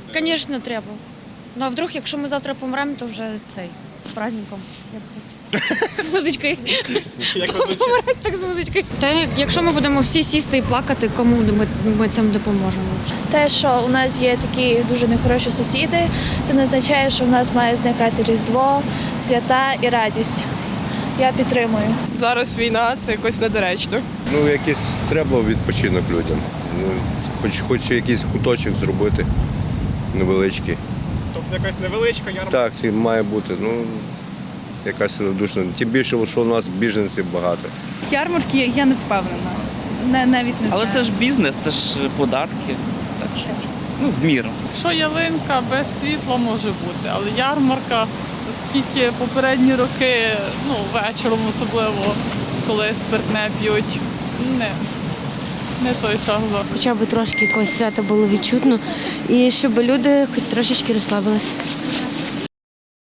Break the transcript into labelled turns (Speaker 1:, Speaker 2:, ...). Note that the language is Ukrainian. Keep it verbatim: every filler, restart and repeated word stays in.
Speaker 1: Звісно, треба. Ну а вдруг, якщо ми завтра помремо, то вже цей, з праздником. З музичкою.
Speaker 2: Як ви звучите?
Speaker 1: Помирать так з музичкою. Та якщо ми будемо всі сісти і плакати, кому ми, ми цим допоможемо?
Speaker 3: Те, що у нас є такі дуже нехороші сусіди, це не означає, що в нас має зникати Різдво, свята і радість. Я підтримую.
Speaker 4: Зараз війна, це якось недоречно.
Speaker 5: Ну, якийсь треба відпочинок людям. Ну, хоч, хоч якийсь куточок зробити невеличкий.
Speaker 2: Тобто якась невеличка ярмарка.
Speaker 5: Так, це має бути. Ну, якась радушна. Тим більше, що у нас біженців багато.
Speaker 6: Ярмарки я не впевнена. Не, навіть не
Speaker 7: Але
Speaker 6: знаю.
Speaker 7: це ж бізнес, це ж податки. Так що, ну, в міру.
Speaker 8: Що ялинка без світла може бути, але ярмарка, оскільки попередні роки, ну, вечором особливо, коли спиртне п'ють, не, не той час завжди.
Speaker 9: Хоча б трошки якогось свята було відчутно, і щоб люди хоч трошечки розслабилися.